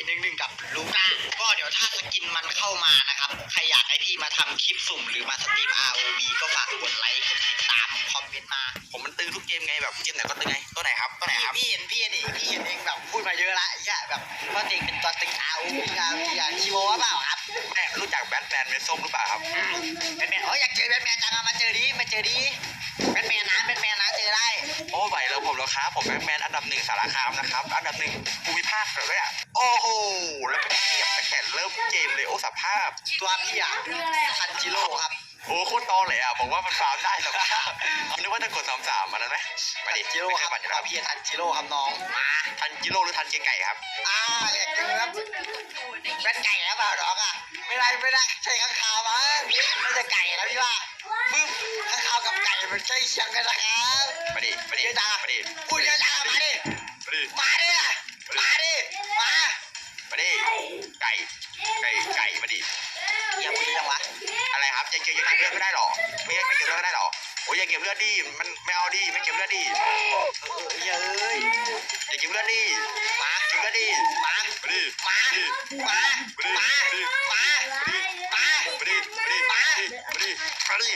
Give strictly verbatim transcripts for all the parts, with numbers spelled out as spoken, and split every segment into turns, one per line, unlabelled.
หนึ่งหนึ่งกับลูก้าก็เดี๋ยวถ้าสกินมันเข้ามานะครับใครอยากให้พี่มาทำคลิปสุ่มหรือมาสตรีม อาร์ โอ วี ก็ฝากกดไลค์กดติดตามคอมเมนต์มา
ผมมันตื้อทุกเกมไงแบบเกมไหนก็ตื้อไงตัวไหนครับตัวไหนครับ
พี่เห็นพี่เห็นเองพี่เห็นเองแบบพูดมาเยอะละไอ้เหี้ยแบบว่าเองเป็นตัวตึง อาร์ โอ วี อาร์ โอ วี อย่างชิโร่เปล่าครับ
แม่รู้จักแบทแมนเมส้มหรือเปล่าครับ
แบทแมนอ๋ออยากเจอแบทแมนจังอะมาเจอดิมาเจอดิแบทแมนนะแบทแมนนะเจอได้
โอ้ไหวแล้วผมแล้วครับผมแบทแมนอันดับหนึ่งสารคามนะครับอันดับหนึ่งภูมิภาคเลยอ่ะโอ้โหแล้วก็เทียบตั้งแต่เริ่มเกมเลยโอ้สภาพ
ตัวพี่อะทันจิโร่ครับ
โอ้โคตรตอเลยอ่ะบอกว่ามันฟาวได้สภาพเอานึกว่าจะกดสามสามมันนั้นไหมมาดิ
จิโร่ครับตัวพี่ทันจิโร่ครับน้องมา
ทันจิโร่หรือทันเจไก่ครับ
อ่าอยากเจอครับแบทไก่แล้วเปล่าน้องอ่ะไม่ได้ไม่ได้ใช่ข้างคาวมั้งไม่ใช่ไก่แล้วพี่ว่าปึ๊บข้างคาวกับไก่มันใกล้เคียงกันนะครับ
มาดิมาดิ
เยอะจัง
มาดิ
พูดเยอะจังมาดิมาดิมาดิมา
มาดิไก่ไก่ไก่มาดิ
อย่าพูดยังวะ
อะไรครับจะเก็บยังเก็บเลือดไม่ได้หรอไม่ไม่เก็บเลือดไม่ได้หรอโอ้ยอย่าเก็บเลือดดิมันไม่เอาดิไม่เก็บเลือดดิ
เออเย้ย
อย่าเก็บเลือดดิมาเก็บเลือดดิ
มา
ดิ
มามามามามามา
ดิดิ
มา
ดิมาดิ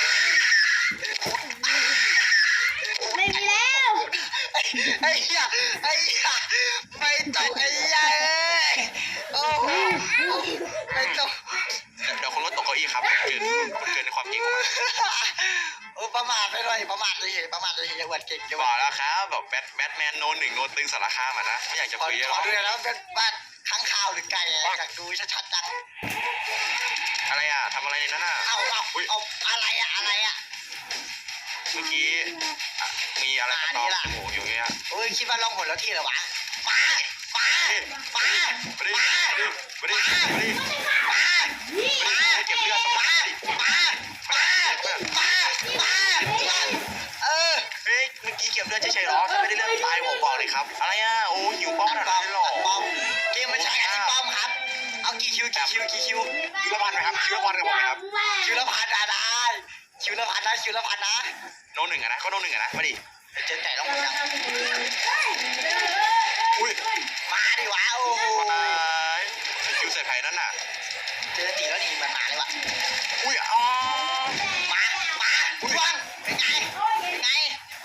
ไม่มีแล้ว
ไอ้เหี้ยไอ้เหี้ยไม่ต้องไอ้เหี้ยโอ้ไม่ต้อง
เดี๋ยวคนรถตกเก้าอี้ครับเกินเกินในความเก่งของมัน
โอ้ประมาทไปเลยประมาทเลยประมาทเลยยังหวัดเก่งจัง
บอกแล้วครับแบบแบทแบทแมนโนหนึ่งโนตึงสารคามอ่ะนะไม่อยากจะคุย
ขอดูแล้วเป็นบ้านข้างข่าวหรือไก่อยากดูชัดๆจัง
อะไรอ่ะทำอะไรนั่นน่ะ
เอาเอาเอาอะไรอ่ะอะไรอ่ะ
เมื่อกี้มีอะไรมาตอมจมูกอยู่เงี้ย
โอ้ยคิดว่าล่องหนแล้วที่เหรอวะมามามา
มาดิมาดิมาดิ
มามา
เก็บเลือด
มามามามามาเออ
เฮ้ยเมื่อกี้เก็บเลือดเฉยๆหรอถ้าไม่ได้เลือดตายผมบอกเลยครับอะไรอ่ะโอ้หิวป้อมขนาดนั้นหรอ
ป้อมเกมมันใช้อันนี้ป้อมครับเอากี่คิวกี่คิวกี่คิว
คิวละพันไหมครับคิวละพันกับผมไหมครับ
คิวละพันได้คิวละพันนะคิวละพันนะ
โนหนึ่งอะนะก็โนหนึ่งอะนะมาดิ
เจอไก่ต้องหมดยัง
อุ้ย
มาดิวะโอ้โห
คิวใส่ไผ่นั่นน่ะ
เจอตีแล้วดีมันมาเลยว่ะ
อุ้ยอ๋อ
มามาว่างเป็นไงเป็นไง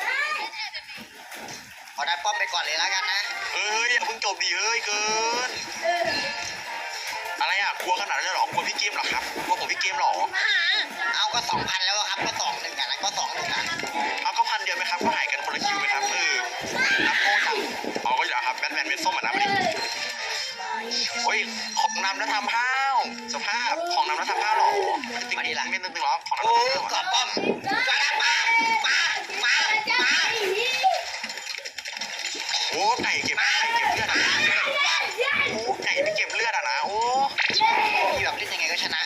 ขอได้ป้อมไปก่อนเลยแล้วกันนะ
เฮ้ยอย่าเพิ่งจบดิเฮ้ยเกินอะไรอ่ะกลัวขนาดนั้นหรอกลัวพี่เกมหรอครับกลัวผมพี่เกมหรอ
เอาก็สองพันแล้วครับก็สองหนึ่งอ่ะนะก็สองหนึ่งอ่ะ
เอาก็พันเดียวไหมครับก็หายกันคนละคิวไหมครับเออนับโง่จังเอาก็อยู่แล้วครับแบทแมนเวสส้มอ่ะนะมาดิโอ้ยของนำแล้วทำห้าวสภาพของนำแล้วทำห้าวหรอจริงๆไม่ตึงๆหรอของนำแล้วทำห้าว
กอบป้อมกระมามามามา
โอ้ไก่เก็บไก่เก็บเลือดโอ้ไก่ไม่เก็บเลือดอ่ะนะโอ้
พี่แบบเล่นยังไงก็ชนะ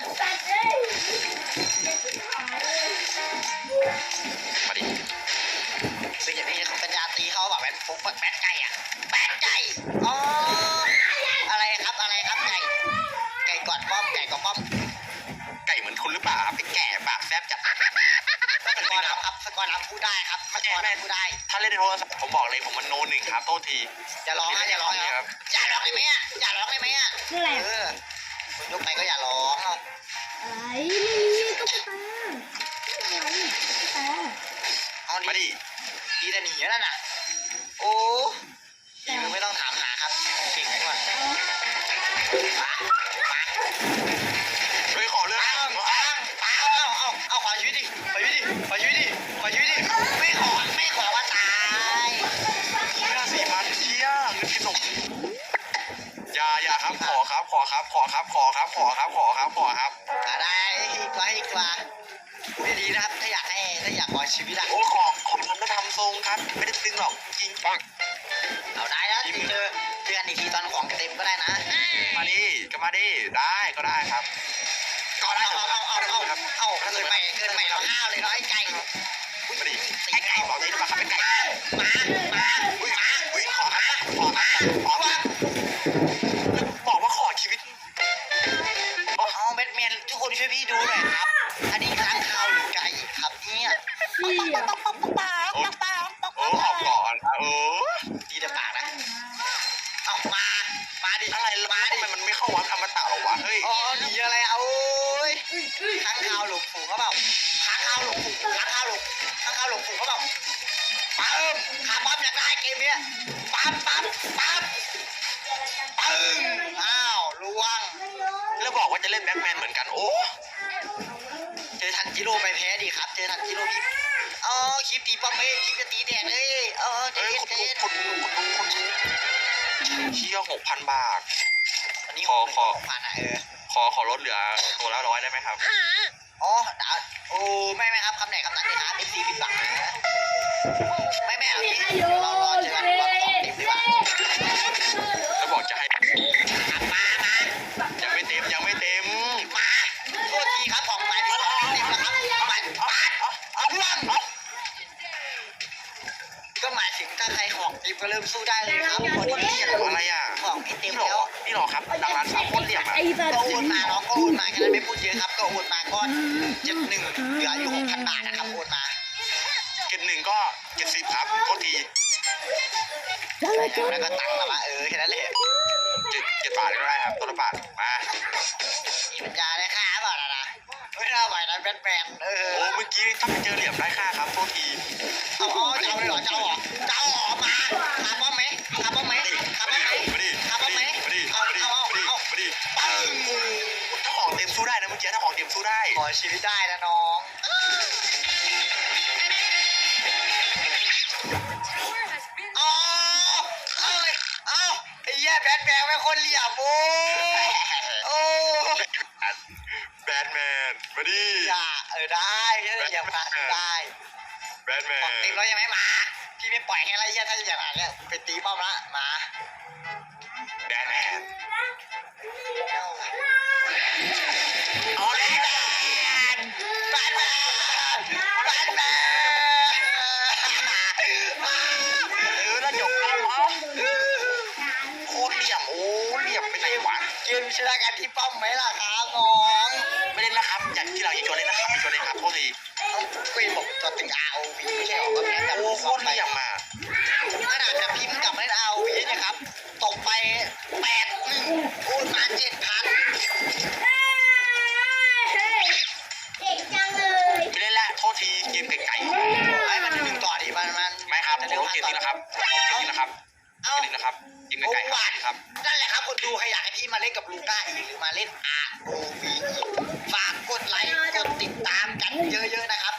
มาดิ
เป็นอย่างนี้เขาปัญญาตีเขาแบบแบทฟุกแบทไก่อ่ะแบทไก่อ๋ออะไรครับอะไรครับไก่ไก่กอดป้อมไก่กอดป้อม
ไก่เหมือนคุณหรือเปล่าครับเป็นแก่ปากแซ่บจัด
สกอร์ครับสกอร์พูดได้ครับสกอร์แม่พูดได้
ถ้าเล่นในโทรศัพท์ผมบอกเลยผมมันโนหนึ่งครับโทษที
อย่าร้องนะอย่าร้องครับอย่าร้องได้ไหมอ่ะอย่าร้องได้ไหมอ่ะเออคุณยกไปก็อย่าร้องเอา
อะไรไม่มีก็ไปตาอะไรตา
เอา
มาดิ
ดีแต่หนีนั่นน่ะโอ้ยมึงไม่ต้องถามหาครับเก่งกว่ามามา
เฮ้ยขอเลือก
เอาเอาเอาเอาเอาขอชีวิตดิขอชีวิตดิขอชีวิตดิขอชีวิตดิไม่ขอไม่ขอว่าตาย
เชี่ยสี่พันเชี่ยเงินกินนมอย่าอย่าครับขอครับขอครับขอครับขอครับขอครับขอครับขอครับ
อะไรอีกว่าอีกว่าไม่ดีนะครับถ้าอยากให้ถ้าอยากขอชีวิตอะ
โอ้ขอขอมันไม่ทำทรงครับไม่ได้ตึงหรอกจริงปัง
เอาได้แล้วเจอเจอกันอีกทีตอนของเต็มก็ได้นะ
มาดิก็มาดิได้ก็ได้ครับ
ก็ได้เอาเอาเอาเอาเอาเกินไปเกินไปเราห้าวเลยเนาะไอ้ไก่
มาดิไอ้ไก่บอกนี้มาครับไอ้ไก่
มามา
อุ้ยมาอุ้ยขอครับขอครับขอว่าบอกว่าขอชีวิต
เอาแบทแมนทุกคนช่วยพี่ดูหน่อยครับอันนี้ค้างคาวหรือไก่ครับเนี่ย
โอ้โอ้ออกก่อนโอ้
ดีแต่ปากนะเอามามาดิ
อะไร
มาค้างคาวหลงฝูงเขาเปล่าค้างคาวหลงฝูงค้างคาวหลงค้างคาวหลงฝูงเขาเปล่าปั๊มขาปั๊มอยากได้เกมเนี้ยปั๊มปั๊มปั๊มปึ้งอ้าวล่วง
แล้วบอกว่าจะเล่นแบ็คแมนเหมือนกันโอ้
เจอทันจิโร่ไปแพ้ดีครับเจอทันจิโร่พี่เออคลิปตีป้อมเอ้ยคลิปจะตีแดงเอ้ยเออเจ
เอ้ย
น
คุณ
เจ
ลุง
น
คุณลุงคุณลุงคุณเชี่ยหกพันบาท
อันนี้
ขอขอ
ผ่านอ่ะเออ
ขอขอลดเหลือตัวละร้อยได้ไหมครับ
อ๋อดาวโอ้ไม่ไม่ครับคำไหนคำนั้นเลยครับเป็นสี่สิบบาทไม่ไม่เอางี้เดี๋ยวเรารอเจอกันรอบสองทีมดีกว่า
แล้วบอกจะให้
ครับมามา
ยังไม่เต็มยังไม่เต็ม
มาโทษทีครับของไปที่ของทีมนะครับเอาไปปาดเอาล่วงก็หมายถึงถ้าใครของทีมก็เริ่มสู้ได้เลยครับพอดี
อะไรอ่ะ
ของพี่เต็ม
นี่หร
แล้ว
อนี่หรอครับดังร้านสามโคตรเหลี่ยมอ่ะ
ไอ้สัต
ก็
ว์
โอนมาน้องก็โอนมาแค่นั้นไม่พูดเยอะครับก็โอนมาก็เจ็ดหนึ่งเหลืออยู่หกพันบาทนะครับโอนมา
เกตหนึ่งก็เกตสิบครับโทษที
แล้วก็
แล้วก็ตังค์มาว่าเออแค่นั้นแหละ
เจ็ดเจ็ดบาทก็ได้ครับตัวละบาทมา
มีปัญญาได้ค่าเปล่าล่ะนะไม่น่าไหวนะแบทแมนเออ
โอ้เมื่อกี้ถ้าไปเจอเหลี่ยมได้ค่าครับโทษที
เอาเอาจะเอาเลยเหรอจะเอาเหรอจะเอาเหรอมาคาร์บอนไหมคาร์บอนไหมคาร์บอนไหม
มาดิ
คาร์บอนไหม
มาดิ
เอา
มาดิ
เอาเอา
มาดิ
เอา
มาดิปังถ้าของเต็มสู้ได้นะเมื่อกี้ถ้าของเต็มสู้ได้
ขอชีวิตได้นะน้องเอาเอาเลยเอาไอ้แย่แบทแมนไม่คนเหลี่ยมโอ้โอ้
แบทแมนมาดิ
อย่าเออได้แค่เหลี่ยมมาได้
แบทแม
ของ
น
เต็มแล้วยังไม่มาพี่ไม่ปล่อยให้ไรเหี้ยถ้าอย่างนั้นเนี่ยไปตีป้อมละมา
แบทแมน
เอาเลยแบทแมนแบทแมน
เออแล้วจบแล้วเหรอโคตรเหลี่ยมโอ้เหลี่ยมไปไหนวะ
เกมชนะกันที่ป้อมไหมล่ะครับน้อง
ไม่เล่นนะครับอยากที่เราอยากชวนเล่นนะครับอยากชวนเล่นครับโทษที
เอาคุยบอกตัวตึง อาร์ โอ วี ไม่ใช่หรอว่าแพ้แบบ
โอ้โคตรเหลี่ยมอ่ะ
ขนาดแบบพิมพ์กลับเล่น อาร์ โอ วี เนี่ยครับตกไปแปดหนึ่งโอนมาเจ็ดพัน
เก่งจังเลย
ไม่เล่นละโทษทีเกมไก่
ไอ้มันหนึ่งต่อดิมันมัน
ๆไม่ครับ
จะ
เดี๋ยวเกมนี้นะครับเกมนี้นะครับเก
เอ้าม
นี้นะครับเกม
โอ้
ไก่
หวาน
ๆครับ
นั่นแหละครับคนดูใครอยากให้พี่มาเล่นกับลูก้าอีกหรือมาเล่น อาร์ โอ วี อีกฝากกดไลค์กดติดตามกันเยอะๆนะครับ